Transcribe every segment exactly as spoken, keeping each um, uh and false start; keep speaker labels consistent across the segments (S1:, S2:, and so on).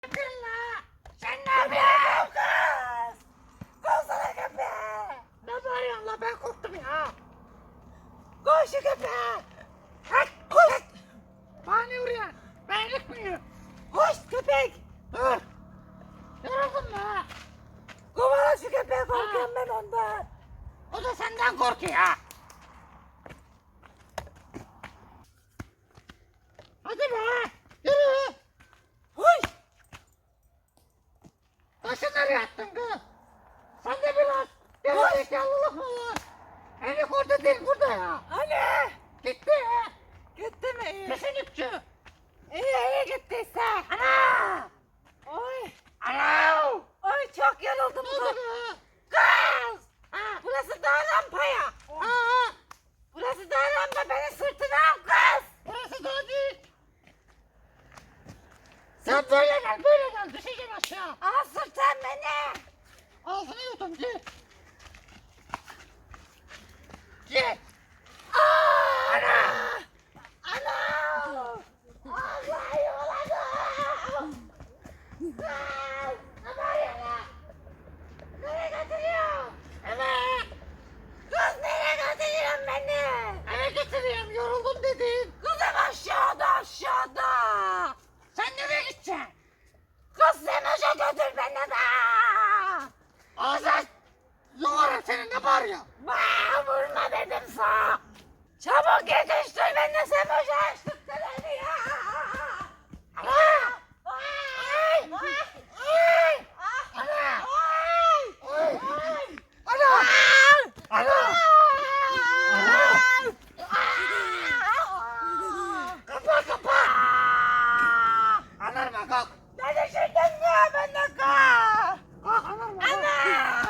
S1: Kırla! Sen ne yapıyorsun kız? Kovsana köpeği! Ne bağırıyorsun la, ben korktum ya! Koş şu köpeği! Hadi koş! Bana ne vuruyorsun? Benlik miyim? Koş köpek! Dur! Yoruldum la! Kovala şu köpeği, korkuyorum ben ondan! O da senden korkuyor ha! Hadi be! Yürü! Huy! Taşı nereye attın kız? Sen de biraz gerizekalılık mı var? Elik orada değil, burada ya. Hani? Gitti ya. Gitti mi? İyi. Kesin ipçi. İyi iyi gittiyse. Ana! Oy! Ana! Oy çok yoruldum kız. Kız! Ha, burası daha rampa ya. Ha, burası daha rampa, beni sırtına al kız. Burası daha değil. Sen böyle gel, böyle gel, düşeceksin aşağı. Al sırttan beni. Ağzını yutun, git. Git. Ana! Ana! Allah yoladım. Kız! Ne bağırıyorsun? Nereye götürüyorsun? Eve. Kız nereye götürüyorsun beni? Eve götürüyorum, yoruldum dedin. Kızım aşağıda, aşağıda. Sen nereye gideceksin? Kız Semoş'a götür beni de. Ağzına yoğarım seni, ne bağırıyorsun? Baa, vurma dedim sana. Çabuk yetiştir beni de Semoş'a, açtık beni ya. Ana! Ay! Ay! Ana! Ay! Ana! Ana! Kapa kapa! Anarma, kalk! Ne düşürdün ya beni, kalk! Kalk anarma! Ana!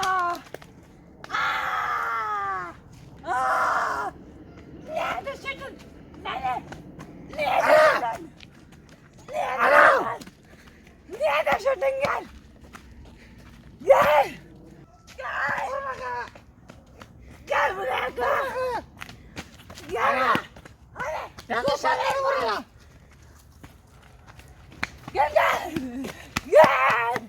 S1: Aa! Aa! Niye düşürdün beni? Niye düşürdün? Niye düşürdün? Niye düşürdün, gel! Gel! Gel! Gel buraya, gel! Gel! Hadi! Yanlış yerlere vuruyor! Gel gel! Gel!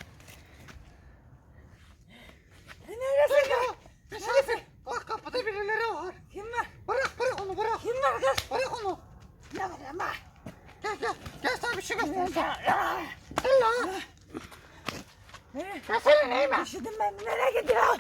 S1: Neresin ya? Neresin? Bak kapıda birileri var. Kim var? Bırak bırak onu, bırak. Kim var kız? Bırak onu. Ne var ama? Gel gel. Gel sana bir şey göstereyim. Gel lan. Ya senin neyin var? Üşüdüm ben. Nereye gidiyorsun?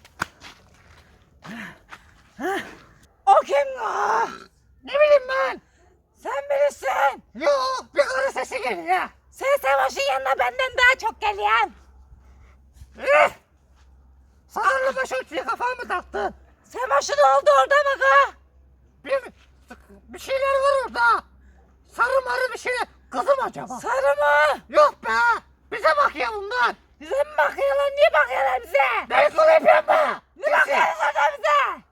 S1: O kim o? Ne bileyim ben? Sen bilirsin. Yo, bir karı sesi geliyor. Sen Savaş'ın yanına benden daha çok geliyorsun. Eh! Sarılı başörtüye kafana mı taktın? Savaş'ın oldu orada mı kız? Bir, bir şeyler var orada. Sarı marı bir şeyler. Kızım acaba? Sarı mı? Yok be. Bize bakıyor bunlar. Bize mi bakıyorlar? Niye bakıyorlar bize? Beni kul yapıyor mu? Ne bakıyorsunuz orada bize?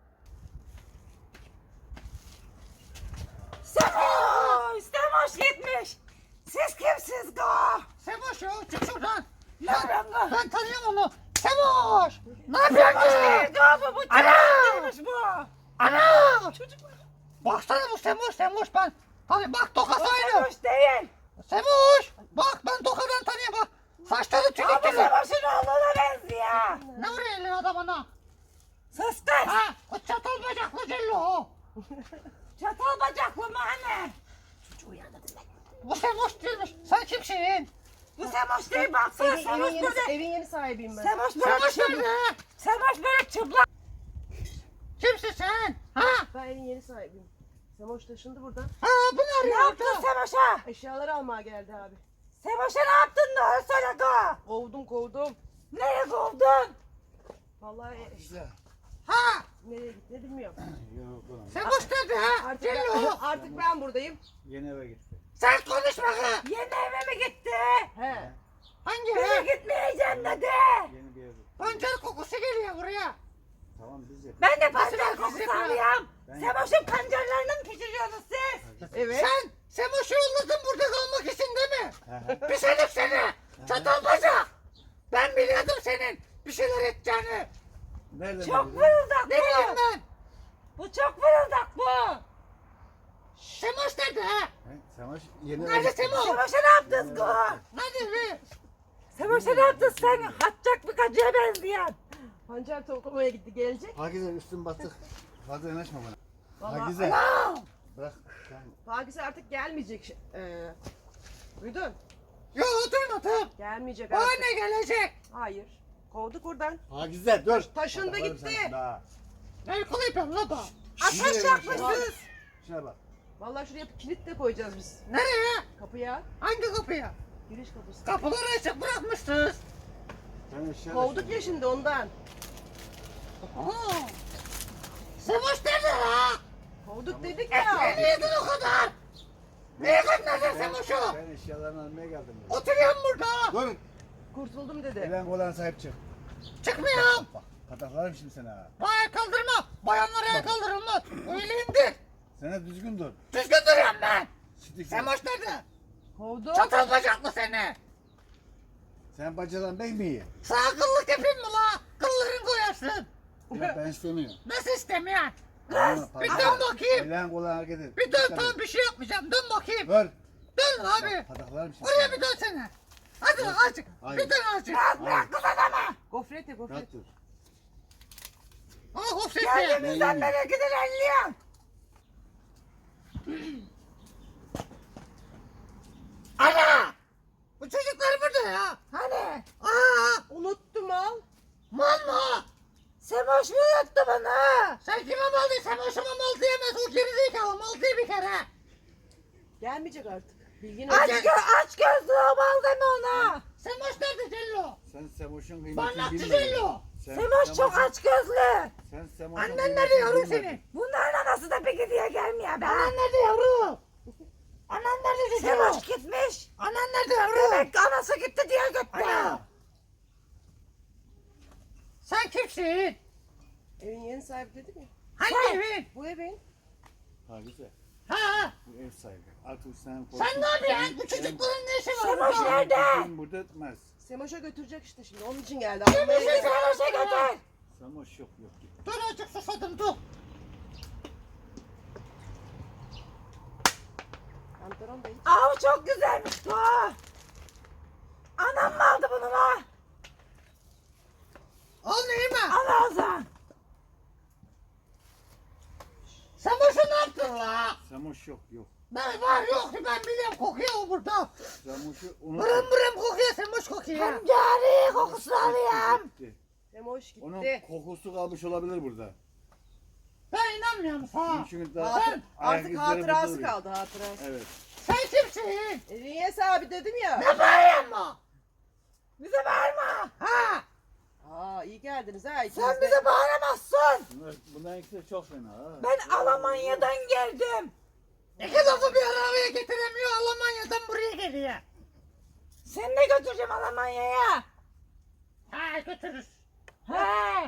S1: Semoş! Semoş gitmiş! Siz kimsiniz go? Semoş ya, çık şuradan! Ne yapıyorsun go? Ben tanıyorum onu! Semoş! Ne yapıyorsun go? Semoş go bu! Bu çocuk bu! Ana! Çocuk mu? Baksana bu Semoş, Semoş ben! Hani bak tokası aynı! Semoş değil! Semoş! Bak ben tokadan tanıyorum bak! Saçları tüyük tüyük! Ama Semoş'un oğluna benziyor! Ne vuruyor elin adamına? Sus kız! Ha! O çatal bacaklı cello o! Çatal bacaklı mı anne? Çocuğu uyandırdım ben. Bu Semoş değilmiş. Sen kimsin? Bu Semoş değil, baksana
S2: Evin,
S1: Semoş
S2: evin,
S1: böyle.
S2: yeni, evin yeni sahibiyim ben.
S1: Semoş böyle çıplak. Semoş böyle çıplak. Kimsin sen? Ha?
S2: Ben evin yeni sahibiyim. Semoş taşındı buradan.
S1: Ha, bu ne arıyor? Ne yaptın Semoş'a?
S2: Eşyaları almaya geldi abi.
S1: Semoş'a ne yaptın da öyle söyle go.
S2: Kovdum kovdum.
S1: Nereye kovdun?
S2: Vallahi e,
S1: Ha?
S2: nereye gitti bilmiyorum.
S1: Semoş nerede ha?
S2: Artık
S1: Cello.
S2: ben, artık ben buradayım.
S3: Yeni eve gitti.
S1: Sen konuşma ha. Yeni eve mi gitti?
S2: He.
S1: Hangi eve? Gitmeyeceğim dedi.
S3: Yeni bir ev.
S1: Pancar kokusu geliyor buraya.
S3: Tamam biz yapıyoruz.
S1: Ben de pancar kokusu
S3: yapıyorum.
S1: alıyorum.
S3: Ben
S1: Semoş'un pancarlarını mı pişiriyorsunuz siz?
S2: Evet.
S1: Sen Semoş'u yolladın burada kalmak için değil mi?
S3: Hı hı.
S1: Bir şeylik seni. Çatal bacak. Ben biliyordum senin bir şeyler edeceğini.
S3: Nereden
S1: Çok
S3: bildin?
S1: fırıldak bu. Ne bileyim ben. Bu çok fırıldak bu. Semoş nerede ha?
S3: He, Savaş Yeni
S1: Nerede Semoş?
S4: Semoş'a ne yaptınız go?
S1: Nerede be?
S4: Semoş'a ne yaptın sen? Hatçak bir kacıya benzeyen.
S2: Pancar toplamaya gitti gelecek.
S3: Pakize üstün bastık. Fazla yanaşma bana.
S2: Vallahi-
S3: Pakize.
S1: Anam.
S3: Bırak. Sen
S2: Pakize artık gelmeyecek. Ee, duydun?
S1: Yo duymadım.
S2: Gelmeyecek
S1: O
S2: artık.
S1: ne gelecek?
S2: Hayır. Kovduk oradan.
S3: Pakize dur.
S2: Taşındı
S3: Bakarım
S2: gitti.
S3: sen daha.
S1: Ne koyayım la bak.
S4: Ateş yakmışsınız.
S3: Şuna bak.
S2: Vallahi şuraya kilit de koyacağız biz.
S1: Nereye?
S2: Kapıya.
S1: Hangi kapıya?
S2: Giriş kapısı.
S1: Kapıları açık bırakmışsınız.
S3: Sen eşya
S2: Kovduk ya şimdi ondan.
S1: Aa. Semoş nerede la?
S2: Kovduk dedik
S1: Ne
S2: ya.
S1: yedin o kadar? Niye göndereceksin Semoş'u?
S3: Ben eşyalarını almaya geldim.
S1: Oturuyorum burada.
S3: Dur.
S2: Kurtuldum dedi.
S3: Elen kolağına sahip çık.
S1: Çıkmıyorum.
S3: Bak. Pataklarım şimdi seni ha.
S1: Ayağa kaldırma. Bayanlara ayağa kaldırılmaz. Öyle indir.
S3: Sana düzgün dur.
S1: Düzgün duruyorum ben.
S3: Sidik.
S1: Semoş nerede?
S2: Kovduk.
S1: Çatal bacaklı seni.
S3: Sen bacadan ben mi iyi?
S1: Sağ kıllık yapayım mı la? Kılların koyarsın.
S3: Ya ben istemiyorum.
S1: Nasıl istemiyorsun?
S3: Tamam,
S1: Bir
S3: Pakize.
S1: dön bakayım.
S3: Elen kolağına hareket et.
S1: Bir dön
S3: Dikkat
S1: tamam
S3: et.
S1: bir şey yapmayacağım. Dön bakayım.
S3: Dur.
S1: Dön abi.
S3: Pataklarım şimdi.
S1: Oraya bir dönsene. Hadi lan azıcık.
S3: Hayır.
S1: Bir dön azıcık.
S3: Hayır.
S4: Kız adamı.
S2: Gofret ya gofret.
S3: Rahat dur.
S1: Ama hop
S3: Ben
S4: Kendimizden
S3: iyiyim.
S4: beri gidilenliyorum.
S1: Ana! Bu çocuklar burada ya.
S4: Hani?
S1: Aa!
S2: Unuttum al.
S1: Mal mı?
S4: Semoş mu yuttu bunu?
S1: Sen kime mal değil? Sen hoşuma mal diyemez. O gerizekalı mal diye bir kere.
S2: Gelmeyecek artık. Bilgin
S4: Aç,
S2: olsun.
S4: gö aç gözlü o bal deme ona.
S1: Sen hoş nerede Cello?
S3: Sen Semoş'un kıymetini
S1: Barnakçı
S3: bilmiyorsun.
S1: Cello.
S3: Sen
S4: Semoş çok
S3: Semoş'un-
S4: aç gözlü.
S3: Sen Semoş'un
S1: Annen
S3: kıymetini
S1: nerede yavrum
S3: bilmedin.
S1: senin?
S4: Bunların anası da peki diye gelmiyor be.
S1: Anan nerede yavrum? Anan nerede Cello?
S4: Semoş gitmiş.
S1: Anan nerede yavrum?
S4: Demek ki anası gitti diye gitti.
S1: Ana! Sen kimsin?
S2: Evin yeni sahibi dedim ya.
S1: Hangi evin?
S2: Bu evin.
S3: Pakize.
S1: Ha?
S3: Bu ev sahibi. Artık sen
S1: Sen ne yapıyorsun? Bu çocukların ne işi var
S4: Semoş
S1: burada?
S4: nerede?
S3: Kim burada etmez.
S2: Semoş'a götürecek işte şimdi. Onun için geldi.
S1: Semoş'a
S2: Almaya geldi.
S4: Semoş'a götür.
S3: Semoş yok yok.
S1: Dur azıcık susadım dur.
S2: Pantolon da hiç.
S4: Aa çok güzelmiş bu. Anam mı aldı bunu la?
S1: Al neyi mi?
S4: Al Ozan.
S1: Sen boşuna ne yaptın la?
S3: Semoş yok yok.
S1: Ben var yok ben biliyorum kokuyor o burada.
S3: Semoş'u unut.
S1: Bırım bırım kokuyor sen boş kokuyor.
S4: Hem cari kokusunu alıyorum.
S3: Gitti.
S2: Semoş gitti.
S3: Onun kokusu kalmış olabilir burada.
S1: Ben inanmıyorum sana.
S3: Çünkü daha
S2: Hatır,
S3: ayak
S2: artık
S3: izleri
S2: hatırası
S3: burada duruyor.
S2: kaldı hatırası.
S3: Evet.
S1: Sen kimsin?
S2: Evin yeni sahibi dedim ya.
S1: Ne bağırıyorsun mı?
S4: Bize bağırma.
S1: Ha?
S2: Aa iyi geldiniz ha. ikiniz
S4: Sen
S2: de.
S4: bize bağıramazsın.
S3: Bunlar, bunların ikisi de çok fena ha.
S4: Ben Almanya'dan geldim.
S1: İki lafı bir arabaya getiremiyor Almanya'dan buraya geliyor.
S4: Seni de götüreceğim Almanya'ya.
S1: Ha götürürüz.
S4: He.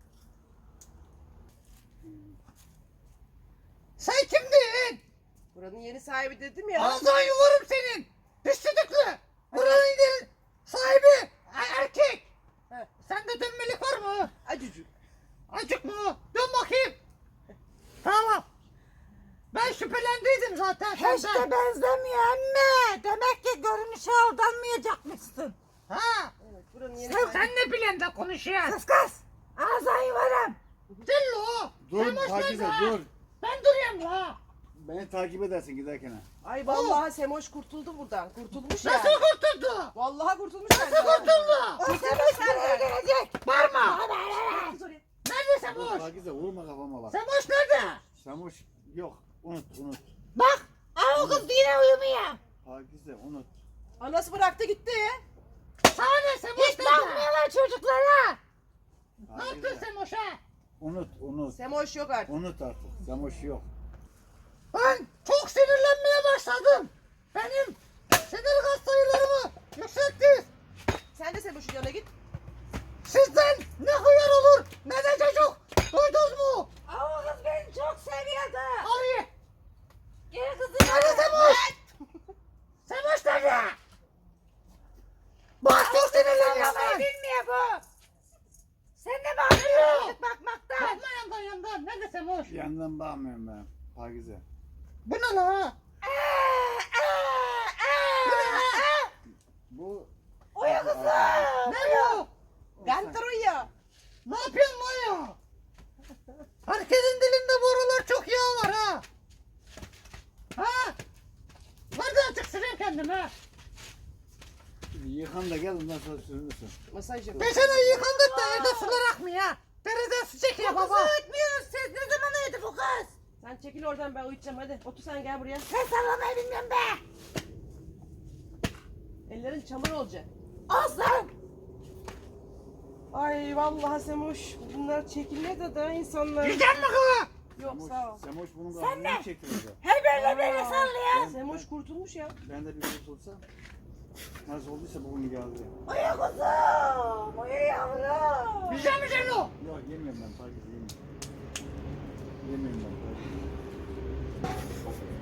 S1: Sen kimdin?
S2: Buranın yeni sahibi dedim ya.
S1: Ağzına yuvarım senin. Pis düdüklü. Buranın değil. Sahibi er- erkek.
S2: He.
S1: Sende dönmelik var mı?
S2: Acıcık.
S1: Acık mı? Dön bakayım. Tamam. Ben şüphelendiydim zaten
S4: Hiç
S1: senden.
S4: de benzemiyor emme. Demek ki görünüşe aldanmayacakmışsın.
S1: Ha?
S2: Evet buranın yeni
S1: Sen,
S2: sahibi.
S1: sen ne bilen de konuşuyorsun?
S4: Kız kız. Ağzına yuvarım.
S1: Dillo.
S3: Dur
S1: sen boş
S3: Pakize
S1: ver
S3: dur.
S1: be. Ben duruyorum la.
S3: Beni takip edersin giderken ha.
S2: Ay vallahi Semoş kurtuldu buradan. Kurtulmuş ya.
S1: Nasıl kurtuldu?
S2: Vallahi kurtulmuş.
S1: Nasıl kurtuldu?
S4: O Semoş nereye gelecek?
S1: Bağırma.
S2: Kız oraya.
S1: Nerede sen
S3: Dur
S1: boş?
S3: Pakize vurma kafama bak.
S1: Sen boş nerede?
S3: Semoş yok. Unut unut.
S4: Bak. Aa, o kız yine uyumuyor.
S3: Pakize unut.
S2: Anası bıraktı gitti.
S1: Sana ne sen boş
S4: Hiç
S1: nerede?
S4: bakmıyorlar çocuklara.
S1: Ne yaptın
S3: Pakize
S1: sen boşa?
S3: unut unut.
S2: Semoş yok artık.
S3: Unut artık. Semoş yok.
S1: Ben çok sinirlenmeye başladım. Benim sinir gaz sayılarımı yükselttiniz.
S2: Sen de Semoş'un yanına git.
S1: Sizden ne hıyar olur ne de çocuk. Duydunuz mu?
S4: Aa, o kız beni çok seviyordu.
S1: Abi.
S4: Gel kızım.
S1: Nerede Semoş? Semoş nerede? Bak çok
S4: Ağlamayı
S1: sinirleniyorsun.
S4: bilmiyor bu. Sen de bağırıyorsun çocuk bakmaktan.
S1: Bakma yandan yandan. Nerede Semoş?
S3: Yandan bakmıyorum ben. Pakize.
S1: Bu ne la?
S4: Aa, aa.
S1: Ne yapıyorsun lan ya? Herkesin dilinde bu aralar çok yağ var ha. Ha? Nereden açık sürüyor kendini ha?
S3: Yıkan da gel ondan sonra sürürsün.
S2: Masaj yap.
S1: Ben sana yıkandık da evde sular akmıyor ha. Dereden su çekiyor baba.
S4: Öğretmiyoruz siz. Ne zaman uyudu bu kız?
S2: Sen çekil oradan, ben uyutacağım hadi. Otur sen, gel buraya.
S4: Sen sallamayı bilmiyorum be.
S2: Ellerin çamur olacak.
S4: Olsun.
S2: Ay vallahi Semoş, bunlar çekiliyor da da insanlar.
S1: Yiyecek mi kızı?
S2: Yok
S3: Semoş,
S2: sağ ol.
S3: Semoş bunun
S4: Sen
S3: kahveni
S4: ne?
S3: çektirdi.
S4: Her böyle böyle
S2: Aa.
S4: sallıyor.
S2: Semoş kurtulmuş ya.
S3: Ben de bir kurtulsa. Nasıl olduysa bugün geldi.
S4: Uyu kuzum. Uyu yavrum.
S1: Yiyecek mi sen o?
S3: Yok yemiyorum ben Pakize yemiyorum. Yemiyorum ben Pakize.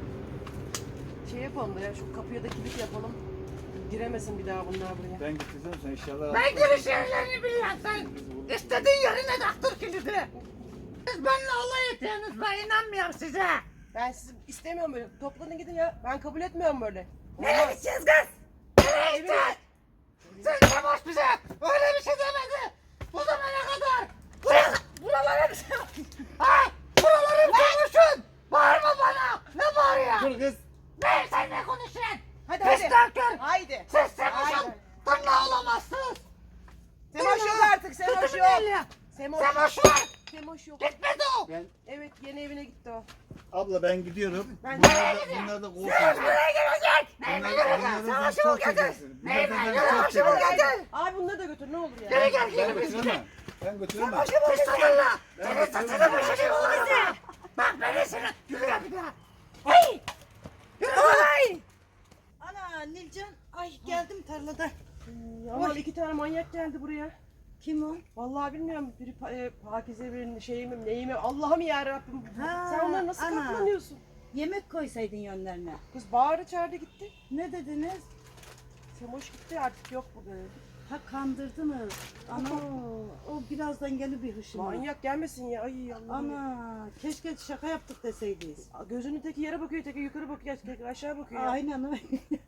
S2: Şey yapalım da ya, şu kapıya da kilit yapalım. Giremesin bir daha bunlar buraya.
S3: Ben gittim sen eşyaları
S1: Ben giriş yerlerini biliyorum sen. İstediğin yerine taktır kilidi. Siz benimle alay ediyorsunuz, ben inanmıyorum size.
S2: Ben sizi istemiyorum böyle. Toplanın gidin ya. Ben kabul etmiyorum böyle.
S4: Nereye gideceğiz kız? Nereye gideceğiz?
S1: Sen de boş bize öyle bir şey demedi. Bu zamana kadar.
S4: Buraya, buralara bir şey bak.
S1: Ha? Buraları konuşun. Bağırma bana. Ne bağırıyor?
S3: Dur kız.
S1: Ne sen ne konuşuyorsun?
S2: Hadi
S1: Pis
S2: hadi.
S1: nankör.
S2: Haydi.
S1: Siz Semoş'un
S2: Haydi.
S1: tırnağı olamazsınız.
S2: Semoş yok artık. Semoş
S1: Tutun
S2: yok.
S1: eli.
S2: Semoş.
S1: Semoş var.
S2: Semoş yok.
S1: Gitmedi o.
S3: Ben
S2: Evet, yeni evine gitti o.
S3: abla ben gidiyorum.
S2: Ben-
S3: bunlar da bunlar da kovsun.
S4: Buraya gelecek.
S3: Bunlar
S4: Buraya
S3: bunlar
S4: gel.
S3: da
S4: Savaşı
S3: çok
S4: ol getir.
S3: çekersin. Bunlar da
S4: Neyime?
S3: çok
S4: Savaşı ol
S3: çekersin.
S4: getir.
S2: Abi bunları da götür, ne olur ya.
S4: Geri gel
S3: Ben
S4: geri biz
S3: götüremem. Ben götüremem.
S4: Savaşı ol getir.
S1: Estağfurullah.
S3: Ben
S1: Senin saçını
S3: götüremem.
S1: başını olursa. Bak beni seni. Yürü ya bir daha. Hey. Yürü
S4: Ay.
S5: Ana Nilcan, ay geldim tarlada.
S2: Ama iki tane manyak geldi buraya.
S5: Kim o?
S2: Vallahi bilmiyorum. Biri pa- e, Pakize, birinin şeyi mi, neyi mi? Allah'ım ya Rabbim.
S5: Ha,
S2: Sen onları nasıl
S5: ana.
S2: katlanıyorsun?
S5: Yemek koysaydın yönlerine.
S2: Kız bağırdı çağırdı gitti.
S5: Ne dediniz?
S2: Semoş gitti, artık yok burada dedi.
S5: Ha kandırdınız. Ana o birazdan gelir bir hışıma.
S2: Manyak gelmesin ya. Ay Allah'ım.
S5: Ana keşke şaka yaptık deseydiniz.
S2: Gözünün teki yere bakıyor, teki yukarı bakıyor, teki aşağı bakıyor. ya.
S5: Aynen öyle.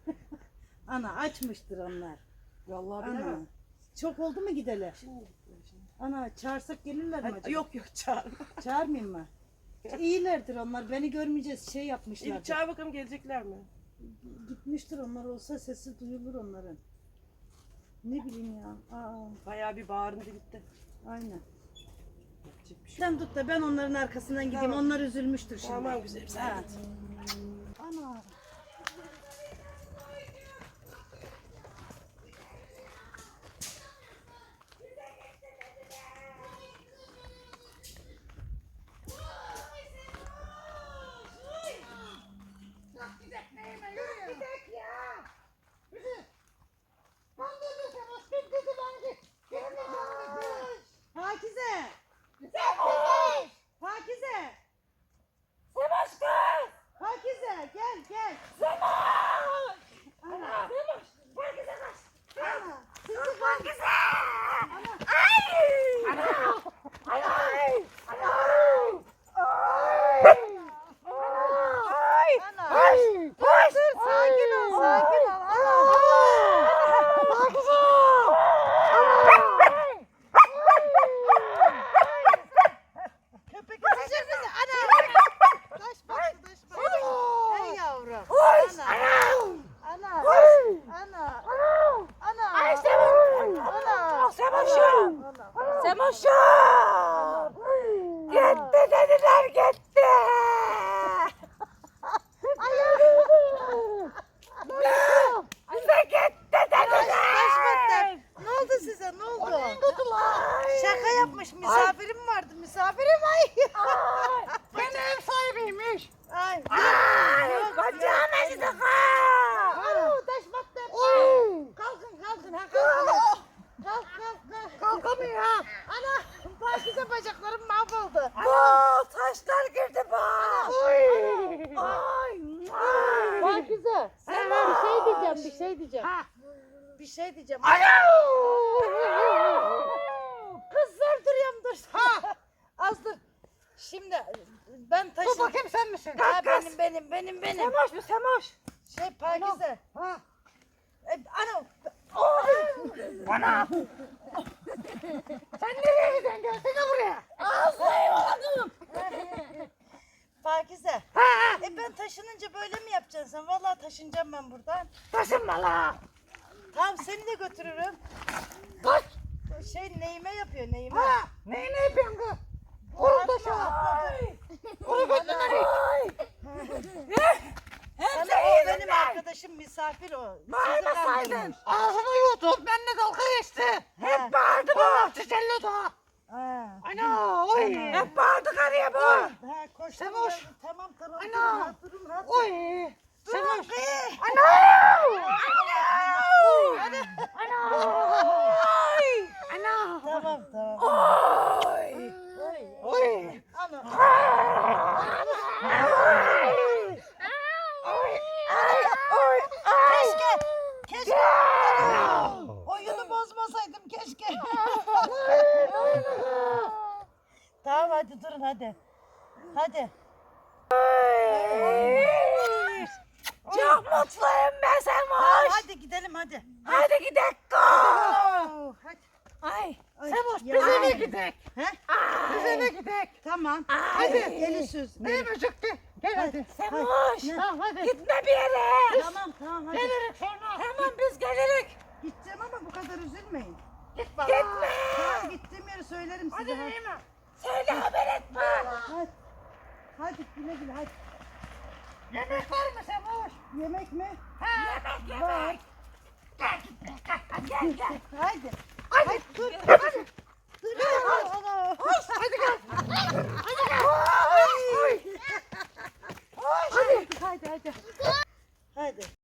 S5: Ana açmıştır onlar.
S2: Vallahi
S5: Ana.
S2: bilemem.
S5: Çok oldu mu gideler?
S2: Şimdi gittiler şimdi.
S5: Ana çağırsak gelirler mi
S2: Hadi,
S5: acaba?
S2: yok yok çağırma.
S5: Çağırmayayım mı? İyilerdir onlar. Beni görmeyeceğiz şey
S2: İyi
S5: yapmışlar.
S2: çağır bakalım, gelecekler mi?
S5: Gitmiştir onlar olsa sesi duyulur onların. Ne bileyim ya. Aa,
S2: Bayağı bir bağırındı gitti.
S5: aynen.
S2: Yapacak bir şey yok.
S5: Sen tut da ben onların arkasından gideyim.
S2: Tamam.
S5: Onlar üzülmüştür şimdi.
S2: Tamam güzelim, sen
S5: Ha.
S2: git.
S5: Ana. Pakize. Pakize.
S4: Savaş kız.
S5: Pakize gel gel.
S4: Savaş.
S5: Ana.
S4: Savaş. Pakize kaç.
S5: Ana.
S4: Kız Pakize. Ay. Ana. Ay. Ay. Ay. Ay.
S5: Ana.
S4: Ay. Ay.
S5: Dur sakin ol sakin ol. Ana.
S4: Pakize.
S5: Köpek ısıracak bizi. Ana. Taş baktı taş baktı. Ey yavrum. Ana. Ana. Ana. Ana.
S4: Ay Savaş.
S5: Ana.
S4: Savaş'ım.
S5: Ana.
S4: Savaş'ım. Gitti dediler gitti. Bize gitti
S5: Taş baktı.
S4: dediler.
S5: Ne oldu size? Ne oldu? Şaka yapmış. Misafirim vardı. Misafirim ay.
S1: Ben ev sahibiymiş.
S5: Ay.
S4: Ay, kocam acıdı kız.
S5: Ana taş battı. Kalkın kalkın. Ha kalkın. Kalk kalk kalk.
S1: Kalkamıyor ha.
S5: Ana Pakize bacaklarım mahvoldu.
S4: Aa, taşlar girdi bak.
S1: Oy.
S4: Ay.
S5: Pakize. Sen bir şey diyeceğim bir şey diyeceğim.
S1: Ha.
S5: Bir şey diyeceğim.
S4: Kız zor duruyorum dur.
S5: Ha. Az dur. Şimdi ben
S1: Dur
S5: taşın.
S1: bakayım sen misin?
S5: Ha, benim benim benim benim.
S4: Semoş bu Semoş.
S5: Şey Pakize.
S1: Ha.
S5: E, ana.
S1: Bana. Sen nereye gidiyorsun? Gelsene buraya.
S4: Ağzıyım.
S5: Pakize.
S1: Ha,
S5: E ben taşınınca böyle mi yapacaksın sen? Vallahi taşınacağım ben buradan.
S1: taşınma la.
S5: Tamam seni de götürürüm.
S1: Kaç.
S5: Şey neyime yapıyor neyime.
S1: Ha, neyi ne yapıyorsun kız? Kuru taşı. Kuru götüne
S5: Sana o benim arkadaşım misafir o. Sizi
S1: Bağırmasaydın.
S5: kandırmış.
S1: Ağzını yutun. Benimle dalga geçti.
S5: Ha.
S1: Hep bağırdı bu. Çiçelli da.
S5: Ha.
S1: Ana oy. Hep bağırdı karıya bu.
S5: Ha, koştum
S1: Sevoş.
S5: geldim. Tamam tamam.
S1: Ana.
S5: Durun, rahat durun, rahat durun.
S1: Oy. Sevoş.
S5: Ana.
S1: Ana. Ana. Oy. Ana.
S5: Tamam tamam.
S1: Oy. Oy.
S5: Ana. Keşke. Keşke. Oyunu bozmasaydım keşke. Tamam hadi durun hadi. Hadi.
S4: Çok mutluyum ben
S5: Tamam
S4: Semoş.
S5: hadi gidelim hadi.
S4: Hadi gidelim.
S5: Oo, hadi.
S4: Ay.
S5: Ay,
S1: Sevoş
S5: ya.
S1: biz eve gidelim.
S5: He?
S1: Biz eve gidelim.
S5: Tamam.
S1: Hadi.
S5: Eli süz.
S1: Ne müzikti? Gel hadi.
S4: Semoş.
S1: Tamam hadi.
S4: Gitme bir yere.
S5: Tamam tamam hadi.
S1: Gelirik sonra.
S4: Tamam biz gelirik.
S5: Gideceğim ama bu kadar üzülmeyin.
S1: Gitme.
S4: Gitme.
S5: Tamam gittiğim yeri söylerim size.
S1: Hadi
S5: Hadi.
S1: değil mi?
S4: Söyle haber etme.
S5: Hadi. Hadi güle güle hadi.
S1: Yemek var mı Sevoş?
S5: Yemek mi?
S4: Yemek
S5: Var.
S4: yemek. Gel gitme. Gel gel. gel.
S5: Hadi.
S1: Hadi.
S5: Hadi dur.
S1: Hadi.